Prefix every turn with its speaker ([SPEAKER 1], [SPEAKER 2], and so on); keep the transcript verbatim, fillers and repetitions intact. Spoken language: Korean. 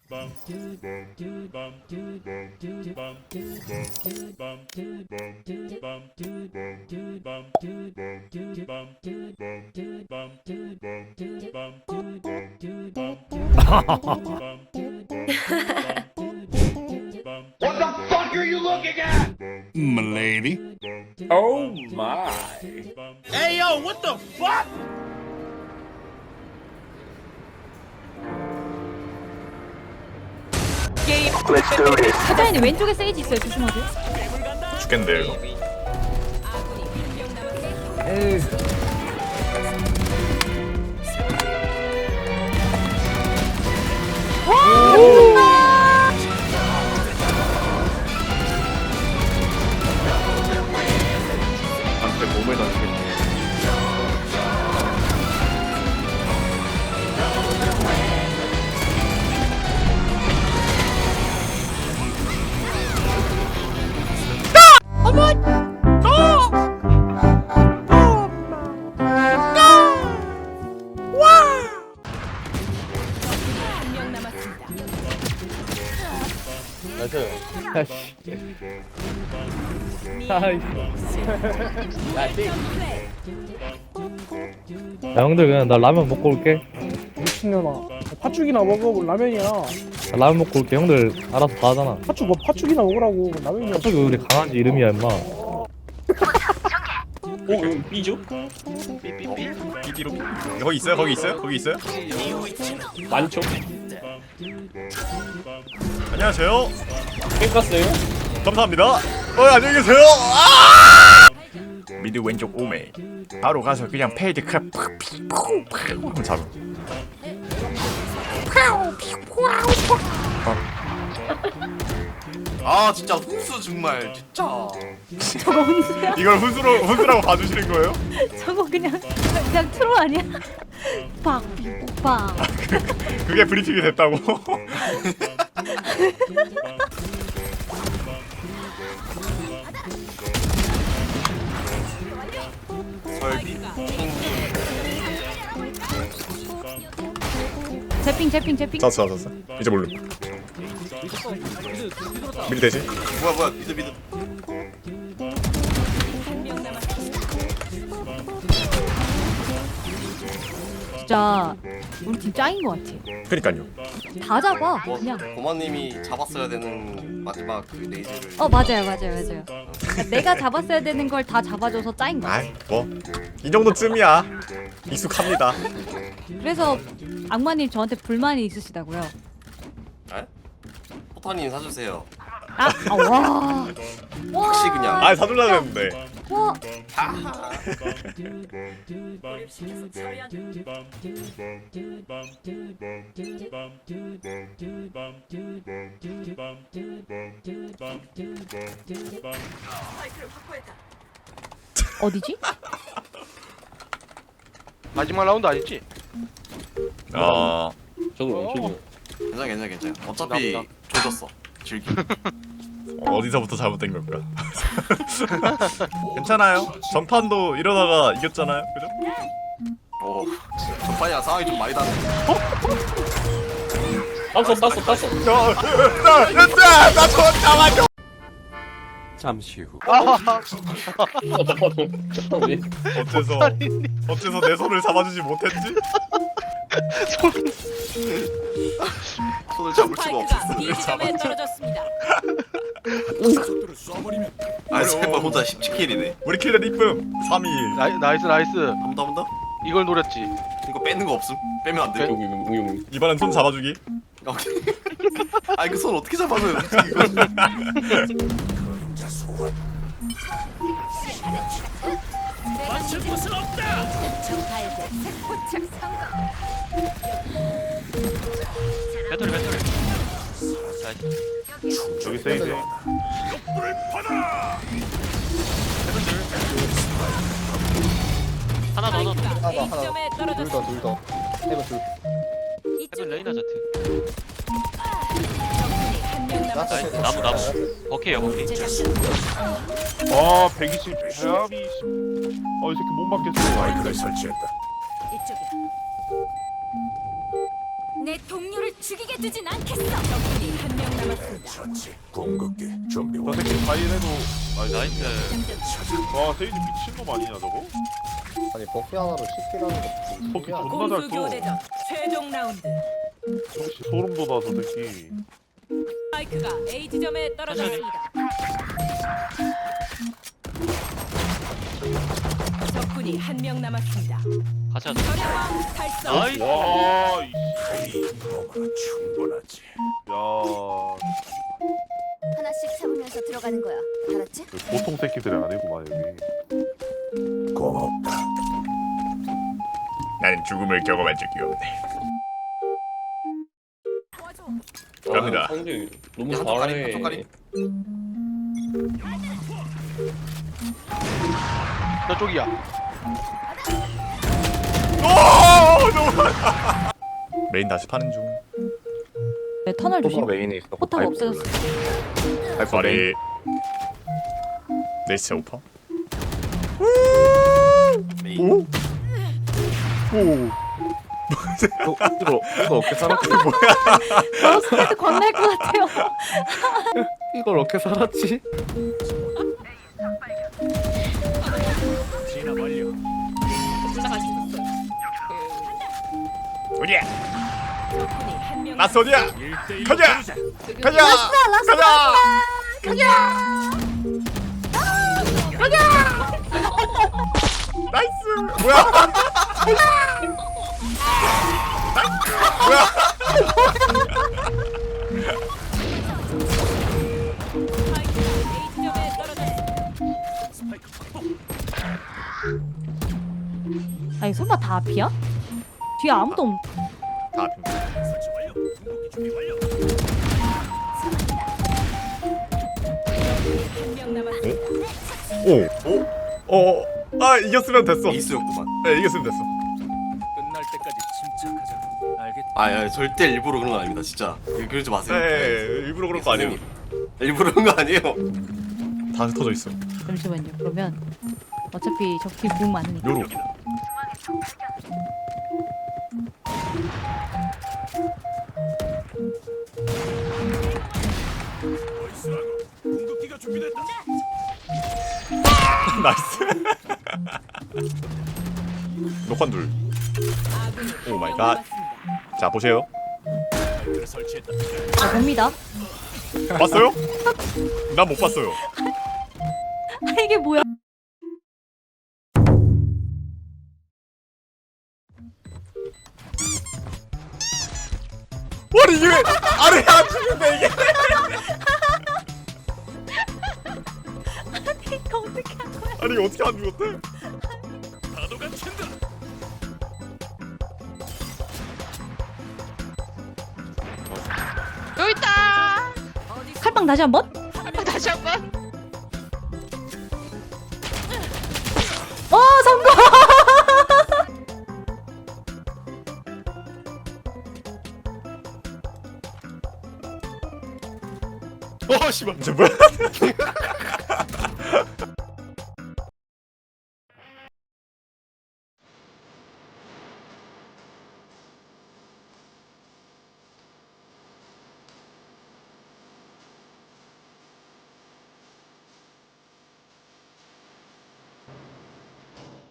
[SPEAKER 1] What the fuck are you looking at?
[SPEAKER 2] M'lady.
[SPEAKER 3] Oh my.
[SPEAKER 1] Hey yo, what the fuck?
[SPEAKER 4] 사장님 왼쪽에 세이지 있어요. 조심하세요.
[SPEAKER 2] 죽겠는데요 이거.
[SPEAKER 4] 에이.
[SPEAKER 3] 한테 몸을 던지겠네.
[SPEAKER 5] 야 형들 그냥 나 라면 먹고 올게.
[SPEAKER 6] 미친년아. 팥죽이나 먹어. 뭐 라면이야.
[SPEAKER 5] 나 라면 먹고 올게. 형들 알아서 다 하잖아.
[SPEAKER 6] 팥죽 뭐 팥죽이나 먹으라고. 라면이야.
[SPEAKER 5] 갑자기 우리 강아지 이름이야 임마.
[SPEAKER 3] 어, 이거 B죠?
[SPEAKER 2] 비디로. 거기 있어요? 거기 있어요? 거기 있어요?
[SPEAKER 3] 많죠?
[SPEAKER 2] 안녕하세요.
[SPEAKER 3] 깼갔어요?
[SPEAKER 2] 감사합니다. 어 안녕히 계세요. 아! 미드 왼쪽 오메. 바로 가서 그냥 페이드 크랩 팍 잡아.
[SPEAKER 7] 아 진짜 훈수 정말 진짜.
[SPEAKER 4] 저거 혼수야?
[SPEAKER 2] 이걸 훈수로 훈수라고 봐주시는 거예요?
[SPEAKER 4] 저거 그냥 그냥 트롤 아니야? 빡, 빡.
[SPEAKER 2] 그게 브리핑이 됐다고?
[SPEAKER 7] 설비.
[SPEAKER 4] 제핑, 제핑, 제핑.
[SPEAKER 2] 잤어 잤어. 이제 몰라. 미드 되지?
[SPEAKER 7] 뭐야 뭐야 미드 미드.
[SPEAKER 4] 진짜 우리 팀 짱인 것 같아.
[SPEAKER 2] 그니까요.
[SPEAKER 4] 다 잡아.
[SPEAKER 7] 뭐
[SPEAKER 4] 그냥.
[SPEAKER 7] 고마님이 잡았어야 되는 마지막 그 레이즈를.
[SPEAKER 4] 어 맞아요, 맞아요, 맞아요. 그러니까 내가 잡았어야 되는 걸 다 잡아줘서 짱인 거야.
[SPEAKER 2] 아이 뭐이 정도쯤이야. 익숙합니다.
[SPEAKER 4] 그래서 악마님 저한테 불만이 있으시다고요.
[SPEAKER 7] 에? 포탄님 사주세요.
[SPEAKER 4] 아, 아 와.
[SPEAKER 7] 혹시 그냥.
[SPEAKER 2] 아 사줄라 했는데.
[SPEAKER 4] 와. 어디지?
[SPEAKER 8] 마지막 라운드 아니지?
[SPEAKER 2] 어.
[SPEAKER 3] 저도 왼쪽이요.
[SPEAKER 7] 괜찮아 괜찮아 괜찮아. 어차피
[SPEAKER 8] 감사합니다.
[SPEAKER 7] 조졌어. 즐기.
[SPEAKER 2] 어디서부터 잘못된 걸까? 괜찮아요. 전판도 이러다가 이겼잖아요. 그죠?
[SPEAKER 7] 오. 전판이랑 상황이 좀 많이 다르네.
[SPEAKER 3] 땄어, 땄어, 땄어.
[SPEAKER 2] 나나나저 잡아줘.
[SPEAKER 8] 잠시 후.
[SPEAKER 3] 왜?
[SPEAKER 2] 어째서 어째서 내 손을 잡아주지 못했지?
[SPEAKER 7] 손을 잡을 수가 없었어.
[SPEAKER 4] 지점에 떨어졌습니다.
[SPEAKER 7] 아 세번 혼자 십칠 킬이네.
[SPEAKER 2] 우리 킬렛 이쁨 삼 일.
[SPEAKER 8] 나이, 나이스 나이스.
[SPEAKER 7] 한 번 더 한 번 더.
[SPEAKER 8] 이걸 노렸지.
[SPEAKER 7] 이거 빼는 거 없음? 빼면 안 돼.
[SPEAKER 3] 여기, 여기, 여기.
[SPEAKER 2] 이번엔 손 잡아주기.
[SPEAKER 7] 오케이. 아니 그 손 어떻게 잡아줘요? 어떻게 이걸?
[SPEAKER 1] 맞출 곳은 없다.
[SPEAKER 8] 배터리 배터리.
[SPEAKER 2] 저기 세이지.
[SPEAKER 1] 불을 받아.
[SPEAKER 8] 하나 더 넣어.
[SPEAKER 4] A점에 떨어졌습니다.
[SPEAKER 8] 헤븐 레이나 자트. 나이스 나무 나무. 버케요 버케.
[SPEAKER 9] 아 백이십 백이십 어 이 새끼 못 맞겠어.
[SPEAKER 1] 마이크를 설치했다.
[SPEAKER 4] 내 동료를 죽이겠다. 해두진 않겠어. 적군이 한 명 남았습니다.
[SPEAKER 9] 저 새끼 과일해도 아니
[SPEAKER 8] 나이스.
[SPEAKER 9] 와 세이지 미친놈 아니냐 저거?
[SPEAKER 3] 아니 버피 하나로 십 킬 하는 거
[SPEAKER 9] 버키 존나 잘 써.
[SPEAKER 4] 최종 라운드.
[SPEAKER 9] 역시 소름 돋아 저 새끼.
[SPEAKER 4] 스파이크가 A 지점에 떨어졌습니다. 적군이 한 명 남았습니다.
[SPEAKER 8] 가자.
[SPEAKER 4] 절약왕 달성.
[SPEAKER 8] 나이스.
[SPEAKER 9] 와 이씨. 충분하지. 야
[SPEAKER 4] 하나씩 잡으면서 들어가는 거야. 알았지?
[SPEAKER 9] 보통 새끼들이 아니구만 여기.
[SPEAKER 2] 나는 죽음을 경험한 적이 없네. 갑니다.
[SPEAKER 3] 아, 상대 너무
[SPEAKER 7] 한쪽 가리
[SPEAKER 3] 잘해.
[SPEAKER 7] 한쪽 가리.
[SPEAKER 8] 너 쪽이야.
[SPEAKER 2] 오 너무 메인 다시 파는 중.
[SPEAKER 4] 네, 터널 조심.
[SPEAKER 5] 메인에 있어.
[SPEAKER 4] 포탑 없어졌어.
[SPEAKER 2] 발이 네이스 오퍼. 오? 오.
[SPEAKER 5] 이거 이거 어떻게 살았지?
[SPEAKER 4] 너 스피드 건널 것 같아요.
[SPEAKER 5] 이걸 어떻게 살았지?
[SPEAKER 2] 어디야?
[SPEAKER 4] 적군이 한 명.
[SPEAKER 2] 라스 어디야? 가자! 가자! 가자! 나이스! 뭐야? 뭐야?
[SPEAKER 4] 스파이크가 A 지점에 떨어졌습니다. 아니 설마 다 앞이야? 뒤에 아무도 없.
[SPEAKER 2] 다 앞입니다.
[SPEAKER 1] 설치 완료. 궁극기 준비 완료.
[SPEAKER 4] 한 명 남았습니다.
[SPEAKER 2] 오! 오? 어? 아 이겼으면 됐어.
[SPEAKER 7] 에이스였구만.
[SPEAKER 2] 네 이겼으면 됐어.
[SPEAKER 1] 끝날 때까지 침착하자. 알겠지?
[SPEAKER 7] 아, 야, 절대 일부러 그런 거 아닙니다, 진짜. 그러지 마세요.
[SPEAKER 2] 네 일부러 그런 거 아니에요.
[SPEAKER 7] 일부러 그런 거 아니에요.
[SPEAKER 2] 다 흩어져 있어.
[SPEAKER 4] 잠시만요. 그러면 어차피 적팀 공 많으니까.
[SPEAKER 2] 요로.
[SPEAKER 1] 얼쑤하고 궁극기가 준비됐다.
[SPEAKER 2] 나이스. 녹환 둘.
[SPEAKER 4] 아군이
[SPEAKER 2] 오
[SPEAKER 4] 한
[SPEAKER 2] 마이
[SPEAKER 4] 명
[SPEAKER 2] 갓.
[SPEAKER 4] 남았습니다.
[SPEAKER 2] 자 보세요.
[SPEAKER 1] 마이크를 설치했다.
[SPEAKER 4] 자, 봅니다.
[SPEAKER 2] 봤어요? 난 못 봤어요.
[SPEAKER 4] 아, 이게 뭐야?
[SPEAKER 2] 아니 이게 왜 아래 안 죽는데 이게?
[SPEAKER 4] 이거 어떻게 한 거야?
[SPEAKER 2] 아니 이거 어떻게 안 죽었대?
[SPEAKER 1] 파도가 친다.
[SPEAKER 10] 여기 있다.
[SPEAKER 4] 칼빵 다시 한 번?
[SPEAKER 10] 다시 한 번.
[SPEAKER 4] 어 성공!
[SPEAKER 2] 어 씨발. 저 뭐야?